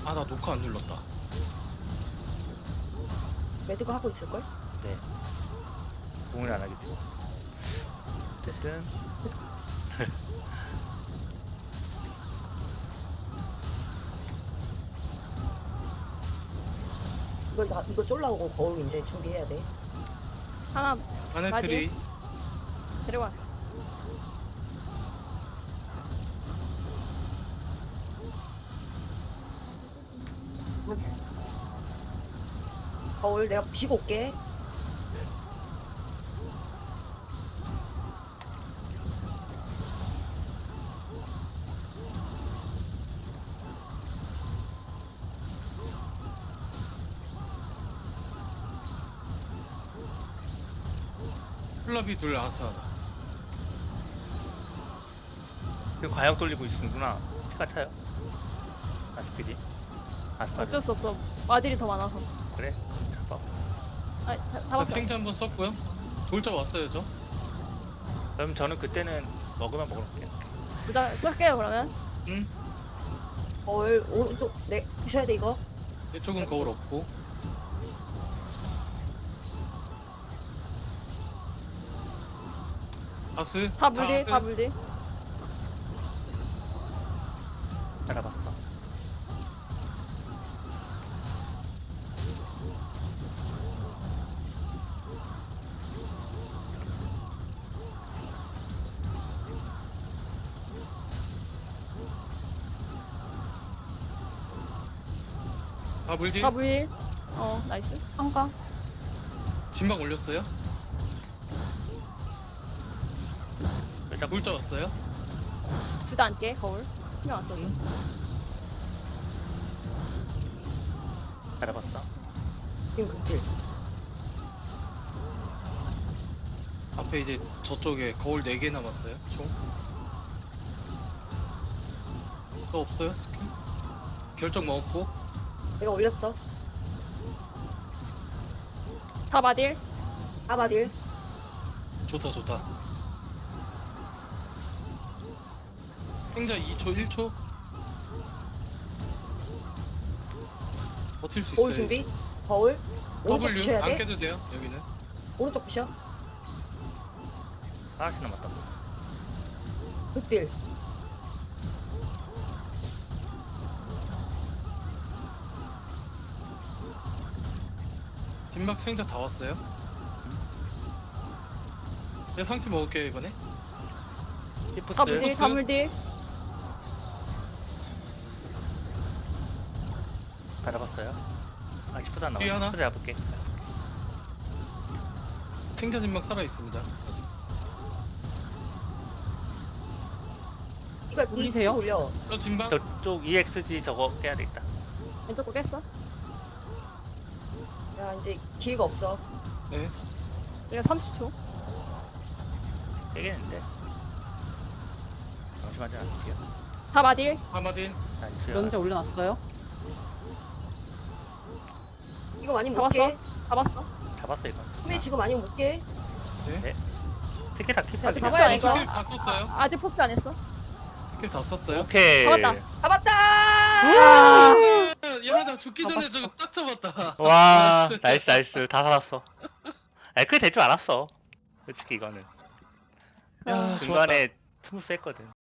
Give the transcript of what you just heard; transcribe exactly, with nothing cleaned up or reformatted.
아, 나 녹화 안 눌렀다. 매드가 하고 있을걸? 네. 공을 안 하겠죠. 어쨌든 이거 나 이거 쫄라오고 거울 이제 준비해야 돼. 하나 하늘트리. 데려와. 거울 내가 부시고 올게. 플라비 둘 아스 하나. 그 과역 돌리고 있는구나. 피가 차요. 아스피지. 아스파르. 어쩔 수 없어. 마딜이 더 많아서. 그래. 잡아. 아, 자, 자, 잡았어. 생자 한번 썼고요. 돌자 왔어요, 저. 그럼 저는 그때는 먹으면 먹을게요. 일단 쓸게요 그러면. 응? 거울 오른쪽 네 부셔야 돼 이거. 이쪽은 거울 없고. 아스. 다 물딜, 아스. 다 물딜. 알아봤어. 아, 물딜. 다 물딜. 어, 나이스. 한가. 진박 올렸어요. 일단 돌자 왔어요. 둘 다 안게 거울. 신경 안 써. 알아봤어. 지금 극딜. 앞에 이제 저쪽에 거울 네 개 남았어요. 총. 또 없어요? 스킬? 결정 먹었고. 내가 올렸어. 다 마딜. 아바딜. 좋다, 좋다. 생자 이 초, 일 초. 버틸 수 거울 있어요. 준비. 거울. 오른쪽 W 부셔야 안 돼. 깨도 돼요. 여기는. 오른쪽 부셔. 하나씩 남았다. 극딜. 진박 생자 다 왔어요. 내가 상치 먹을게요 이번에. 시프트. 다 물딜, 다 물딜. 알아봤어요. 아, 시프트 안 뒤에 나와. 하나? 시프트 잡을게. 생자 진박 살아 있습니다. 아직. 이걸 올리세요? 올리세요. 올려. 저 진박. 저쪽 이엑스지 저거 깨야 되겠다. 왼쪽 거 깼어. 야 이제 기회가 없어. 네. 우리가 삼십 초. 깨겠는데. 잠시만요. 않을게요. 다 마딜. 하마딘. 나이스. 면제 올려놨어요? 이거 아니면 못 잡았어. 깨. 잡았어. 잡았어 이거. 근데 지금 아니면 못 깨. 스킬 다 킵해야 아직 돼. 잡아야 돼, 이거. 스킬 다 썼어요. 아, 아직 폭주 안 했어. 스킬 다 썼어요. 오케이. 잡았다. 잡았다. 아, 야, 나 죽기 전에 잡았어. 저거 딱 잡았다. 와, 나이스 나이스. 다 살았어. 아, 그게 될 줄 알았어. 솔직히 이거는 야, 좋았다. 중간에 스무스 했거든.